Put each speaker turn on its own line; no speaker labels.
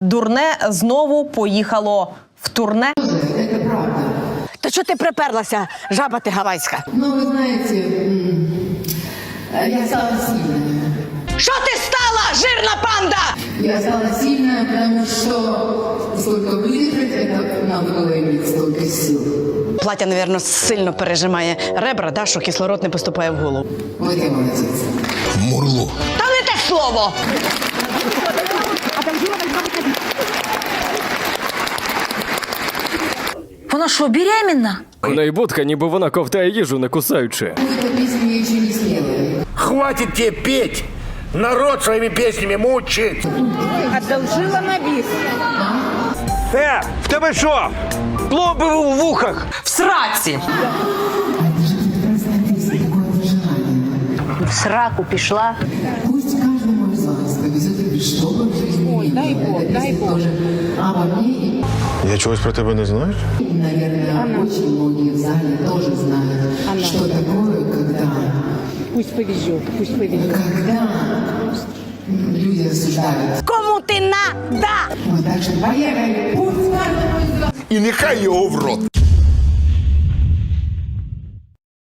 Дурне знову поїхало в турне.
Это правда.
Та що ти приперлася, жаба ти гавайська?
Но вы знаете, я стала сильная.
Що ти стала, жирна панда?
Я стала сильная, потому что сколько выдержать, это надо было иметь столько сил.
Плаття, напевно, сильно пережимає ребра, да, що кислород не поступає в голову.
Вот я молодец.
Мурло.
Та не те слово!
Вона що, беременна?
У неї будка, ніби вона ковтає їжу, не кусаючи.
Эту песню я еще не спела.
Хватит тебе петь! Народ своими песнями мучит!
Одолжила на біс.
В тебе що? Пломби в вухах?
В сраці!
В сраку пішла.
Пусть каждому из вас повезет что бы в жизни. Ой, дай Бог. Тоже обо мне и,
Я чогось про тебе не знаю.
наверное, очень многие в зале тоже знают, что такое, когда...
Пусть повезет.
Когда люди осуждают.
Кому ти надо?
Вот так что поехали. Пусть каждому из вас
І нехай його в рот!